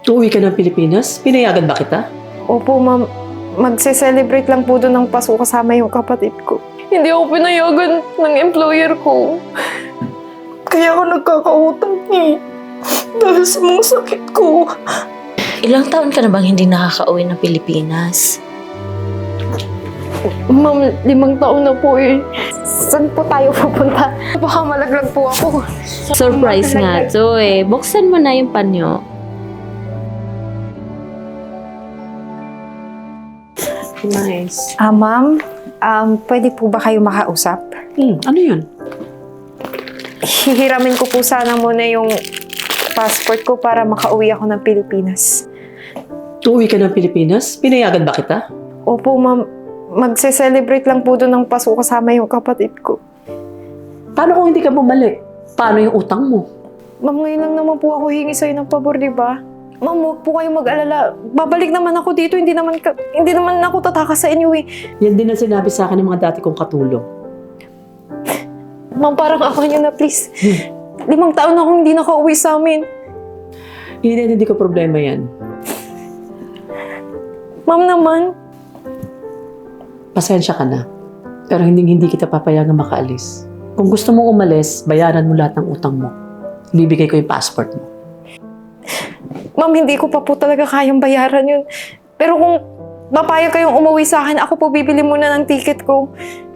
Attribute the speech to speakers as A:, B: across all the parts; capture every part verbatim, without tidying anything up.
A: Uuwi ka ng Pilipinas? Pinayagan ba kita?
B: Opo, ma'am. Magse-celebrate lang po doon ng Pasko kasama yung kapatid ko. Hindi ako pinayagan ng employer ko. Kaya ako nagkakautang eh. Dahil sa mga sakit ko.
C: Ilang taon ka na bang hindi nakaka-uwi ng Pilipinas?
B: Ma'am, limang taon na po eh. Saan po tayo pupunta? Baka malaglag po ako.
C: Surprise nga to eh. Buksan mo na yung panyo.
A: Nice.
B: Ah, ma'am, um, pwede po ba kayo makausap?
A: Hmm, ano yun?
B: Hihiramin ko po sana muna yung passport ko para makauwi ako ng Pilipinas.
A: Uuwi ka ng Pilipinas? Pinayagan ba kita?
B: Opo, ma'am. Magse-celebrate lang po doon ng Pasko kasama yung kapatid ko.
A: Paano kung hindi ka bumalik? Paano yung utang mo?
B: Ma'am, ngayon lang naman po ako hingi sa'yo ng pabor, di ba? Ma'am, huwag po kayong mag-alala. Babalik naman ako dito. Hindi naman, ka, hindi naman ako tatakas sa inyo eh.
A: Yan din ang sinabi sa akin ng mga dati kong katulong.
B: Ma'am, parang ako nyo na, please. Limang taon na akong hindi nakauwi sa amin.
A: Hindi, hindi ko problema yan.
B: Ma'am naman.
A: Pasensya ka na. Pero hindi hindi kita papayagang makaalis. Kung gusto mong umalis, bayaran mo lahat ng utang mo. Bibigay ko yung passport mo.
B: Ma'am, hindi ko pa po talaga kayang bayaran yun. Pero kung papayag kayong umuwi sa akin, ako po bibili muna ng ticket ko.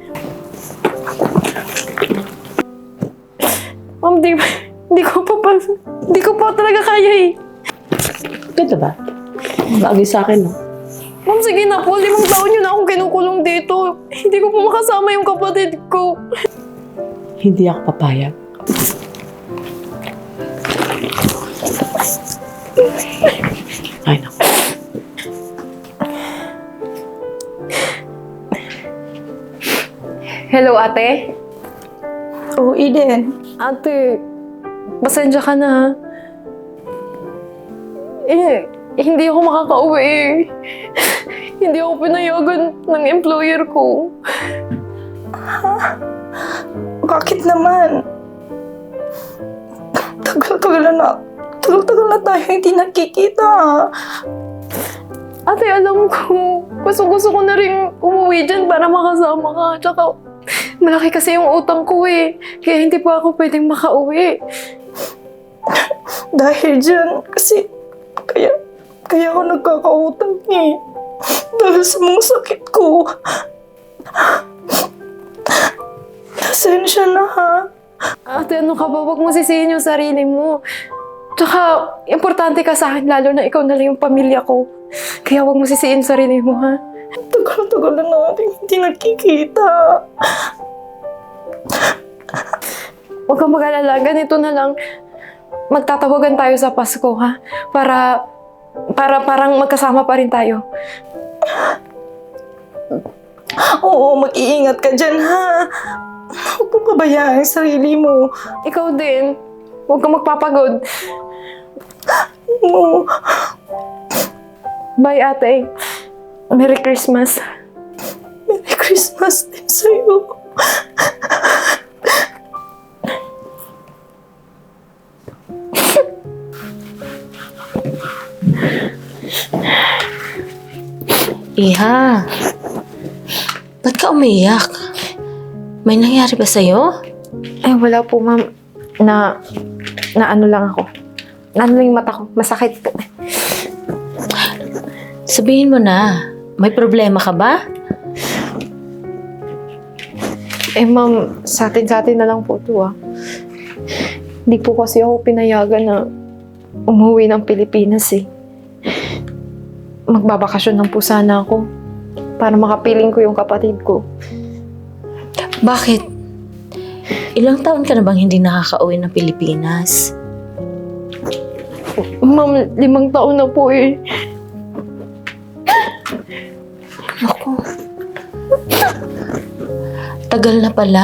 B: Ma'am, di, di ko pa pa, di ko pa talaga kaya eh.
A: Ganda ba? Bagay sa akin, no?
B: Ma'am, sige na po. Limang taon yun na akong kinukulong dito. Hindi ko po makasama yung kapatid ko.
A: Hindi ako papayag. Ay, naku.
B: Hello, ate?
D: Oo, Eden.
B: Ate, pasensya ka na ha. Eh, hindi ako makakauwi eh. Hindi ako pinayagan ng employer ko.
D: Bakit naman? Tagal-tagal na. Tagal-tagal na tayo hindi nakikita.
B: Ate, alam ko, gusto-gusto ko na rin umuwi dyan para makasama ka. Tsaka, malaki kasi yung utang ko eh. Kaya hindi pa ako pwedeng makauwi.
D: Dahil dyan, kasi kaya, kaya ako nagkakautang eh. Dahil sa mga sakit ko. Pasensya na ha.
B: Ate, ano ka ba? Huwag mo sisihin yung sarili mo. Tsaka, importante ka sa akin, lalo na ikaw na lang yung pamilya ko. Kaya huwag mo sisihin yung sarili mo, ha?
D: Tagal-tagal na natin hindi nakikita.
B: Huwag kang mag-alala. Ganito na lang. Magtatawagan tayo sa Pasko, ha? Para, para parang magkasama pa rin tayo.
D: Oo, mag-iingat ka dyan ha. Huwag mong pabayaan ang sarili mo.
B: Ikaw din. Huwag kang magpapagod.
D: Oo.
B: Bye, ate. Merry Christmas.
D: Merry Christmas din sa'yo.
C: Iha, ba't ka umiyak? May nangyari ba sa'yo?
B: Ay, wala po, ma'am. Na, na ano lang ako. Na ano lang yung mata ko. Masakit po.
C: Sabihin mo na, may problema ka ba?
B: Eh, ma'am, sa atin-sa atin na lang po ito, ah. Hindi po kasi ako pinayagan na umuwi ng Pilipinas, eh. Magbabakasyon lang po sana ako para makapiling ko yung kapatid ko.
C: Bakit? Ilang taon ka na bang hindi nakaka-uwi ng Pilipinas?
B: Ma'am, limang taon na po, eh.
C: Naku. Tagal na pala.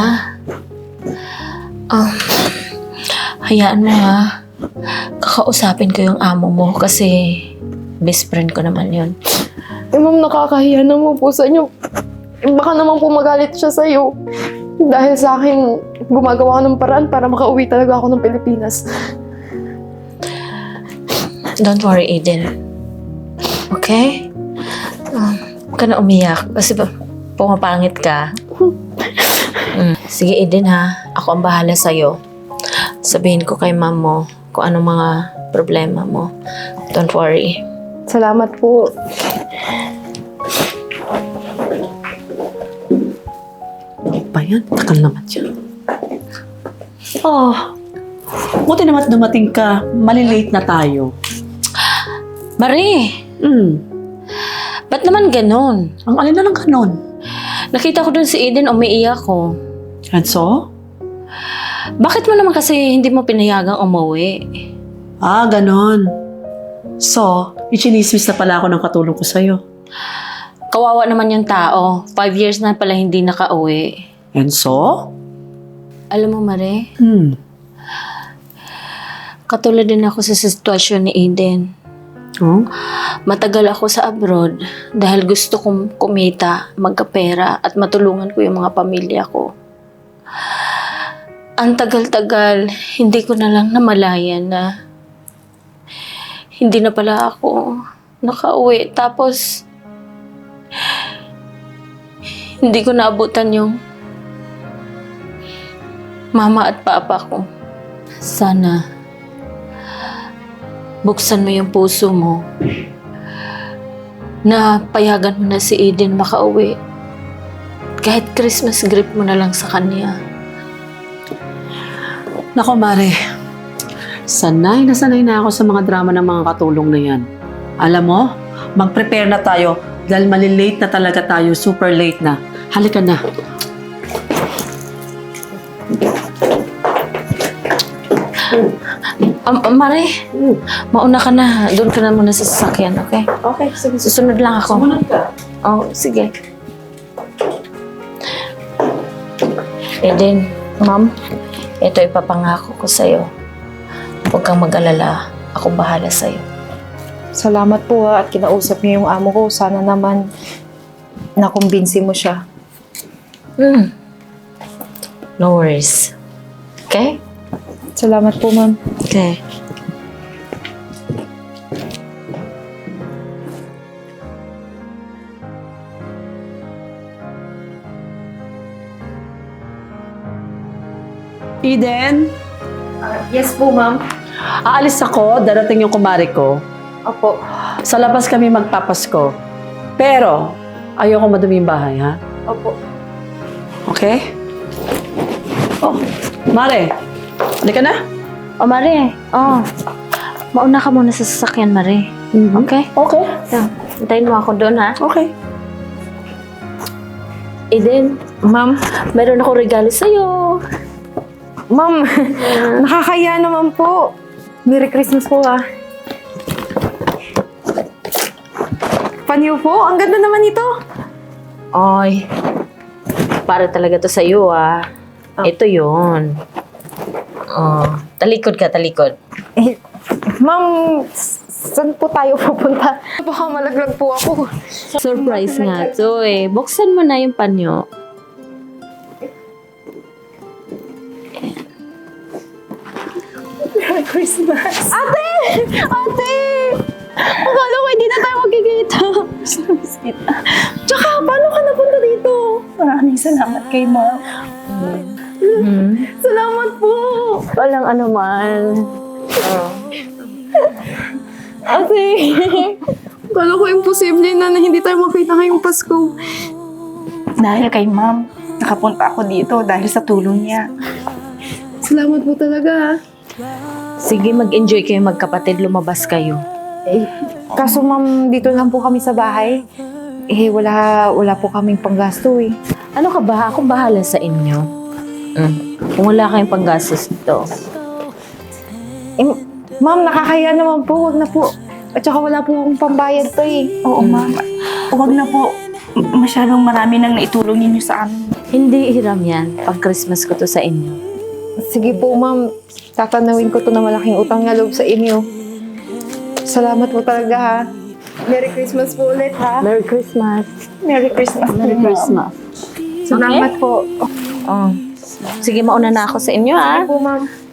C: Um, hayaan mo ha. Kakausapin ko yung amo mo kasi best friend ko naman yun.
B: Eh, ma'am, nakakahiya naman po sa inyo. Eh, baka naman po magalit siya sa'yo. Dahil sa akin, gumagawa ako ng paraan para makauwi talaga ako ng Pilipinas.
C: Don't worry, Eden. Okay? Um, huwag ka na umiyak. Kasi ba, pumapangit ka. Mm. Sige, Eden ha. Ako ang bahala sa'yo. Sabihin ko kay ma'am mo kung anong mga problema mo. Don't worry.
B: Salamat po.
A: Ba yan? Takal naman siya. Oh, buti naman dumating ka. Malilate na tayo.
C: Marie!
A: Hmm,
C: Ba't naman ganon?
A: ang alin na lang kanon.
C: Nakita ko dun si Eden, umiiyak ko.
A: And so?
C: Bakit mo naman kasi hindi mo pinayagang umuwi?
A: Ah, ganon. So, ichinismis na pala ako ng katulong ko sa'yo.
C: Kawawa naman yung tao. Five years na pala hindi nakauwi.
A: And so?
C: Alam mo, Marie,
A: Hmm.
C: katulad din ako sa sitwasyon ni Eden.
A: Oh?
C: Matagal ako sa abroad dahil gusto kong kumita, magkapera at matulungan ko yung mga pamilya ko. Ang tagal-tagal, hindi ko na lang namalayan na hindi na pala ako nakauwi. Tapos, hindi ko naabutan yung mama at papa ko. Sana, buksan mo yung puso mo na payagan mo na si Eden makauwi. Kahit Christmas gift mo na lang sa kanya.
A: Nako, Mare. Sanay na sanay na ako sa mga drama ng mga katulong na yan. Alam mo, mag-prepare na tayo dahil malilate na talaga tayo. Super late na. Halika na.
C: Um, um, Mare, mauna ka na. Doon ka na muna sa sasakyan, okay?
A: Okay, sige.
C: Susunod lang ako.
A: Sumunod ka.
C: Oh, sige. Eden,
B: Ma'am,
C: ito ipapangako ko sa'yo. Huwag kang mag-alala. Ako bahala sa'yo.
B: salamat po ha at kinausap niyo yung amo ko. Sana naman nakumbinsi mo siya.
C: Hmm. No worries. Okay?
B: Salamat po, ma'am.
C: Okay.
A: Eden,
B: Yes po, ma'am.
A: aalis ako. Darating yung kumari ko.
B: Opo.
A: Sa labas kami magpapasko. Pero, ayoko madumi yung bahay, ha?
B: Opo.
A: Okay? Oh, Mare. Halika na.
C: Oh, Mare. Oh. Mauna ka muna sa sasakyan, Mare. Okay?
A: Okay.
C: Yeah. Antayin mo ako doon, ha?
A: Okay.
C: Eden,
B: Ma'am,
C: meron ako regalo sa'yo.
B: ma'am, nakakaya naman po. Merry Christmas po ah. Panyo po, ang ganda naman ito.
C: Oy. Para talaga to sa'yo, ah. Ito yun. Oh. Talikod ka, talikod.
B: Eh, ma'am, s- saan po tayo pupunta? Baka malaglag po ako.
C: Surprise nga to eh. Buksan mo na yung panyo.
B: Merry Christmas! Ate! Ate! Akala ko hindi na tayo magkikita. Service kita. Tsaka, paano ka napunta dito?
D: Maraming salamat kay ma'am.
C: Hmm.
B: Salamat po!
C: Walang ano man.
B: Ate! Akala ko imposible na na hindi tayo makita ngayong Pasko.
D: Dahil kay ma'am, nakapunta ako dito dahil sa tulong niya.
B: Salamat po talaga.
C: Sige, mag-enjoy kayo magkapatid. Lumabas kayo.
B: Eh, kaso ma'am, dito lang po kami sa bahay. Eh, wala, wala po kaming panggasto eh.
C: Ano ka ba? Akong bahala sa inyo. Mm. Kung wala kayong panggastos dito.
B: Eh, ma'am, nakakaya naman po. Huwag na po. At saka wala po akong pambayad to eh.
D: Oo, ma'am. Huwag na po. Masyadong marami nang naitulong ninyo sa amin.
C: Hindi hiram yan. Pag Christmas ko to sa inyo.
B: Sige po, ma'am. Tatanawin ko to na malaking utang na loob sa inyo. Salamat po talaga ha. Merry Christmas po ulit ha.
C: Merry Christmas.
D: Merry Christmas.
C: Merry Christmas.
B: Salamat po.
C: Oh. Sige, mauna na ako sa inyo, ah.
B: Sige po, ma'am.